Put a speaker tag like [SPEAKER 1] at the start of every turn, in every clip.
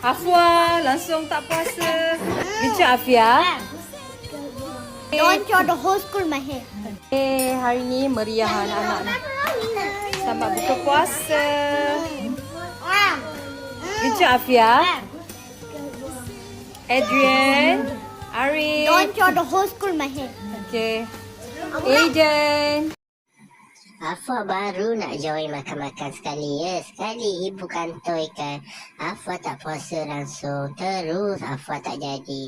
[SPEAKER 1] Afwa langsung tak puasa. Bincang Afia.
[SPEAKER 2] Don't show the whole school my hair.
[SPEAKER 1] Hari ni meriah anak-anak ni. Selamat buka puasa. Bincang Afia. Adrian. Arif.
[SPEAKER 2] Don't show the whole school my hair.
[SPEAKER 1] Okay. Aiden.
[SPEAKER 3] Afwa baru nak join makan-makan sekali ya. Sekali ibu kantoikan. Afwa tak puasa langsung. Terus Afwa tak jadi.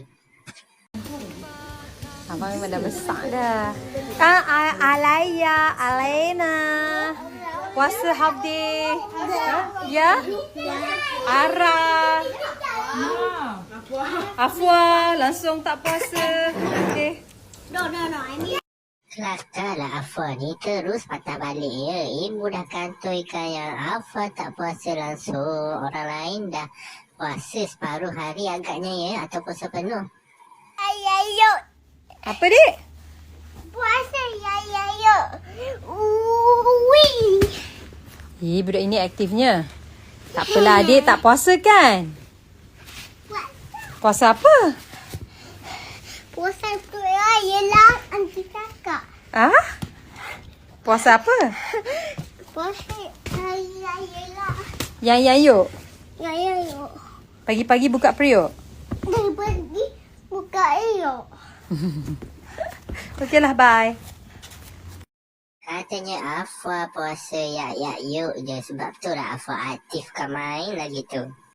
[SPEAKER 1] Abang memang dah besar dah. Alaya, Alena. Puasa half day. Ya? Ara. Afwa langsung tak puasa. Okay.
[SPEAKER 2] No, I mean.
[SPEAKER 3] Kelakarlah Afwa ni terus patah balik ya. Ibu dah kantoikan yang Afwa tak puasa langsung. Orang lain dah puasa separuh hari agaknya ya. Ataupun sepenuh.
[SPEAKER 2] Ayo.
[SPEAKER 1] Apa dik?
[SPEAKER 2] Puasa ayo. Wih.
[SPEAKER 1] Budak ini aktifnya. Tak apalah adik tak puasa kan? Puasa apa?
[SPEAKER 2] Puasa tu ialah anti kakak.
[SPEAKER 1] Ah? Puasa apa?
[SPEAKER 2] Puasa ialah.
[SPEAKER 1] Yang yuk.
[SPEAKER 2] Ayo.
[SPEAKER 1] Pagi-pagi buka periuk.
[SPEAKER 2] Dari pagi buka ayo.
[SPEAKER 1] Okeylah, bye.
[SPEAKER 3] Katanya Afwa puasa yak yuk je. Sebab tu lah Afwa aktif kan main lagi tu.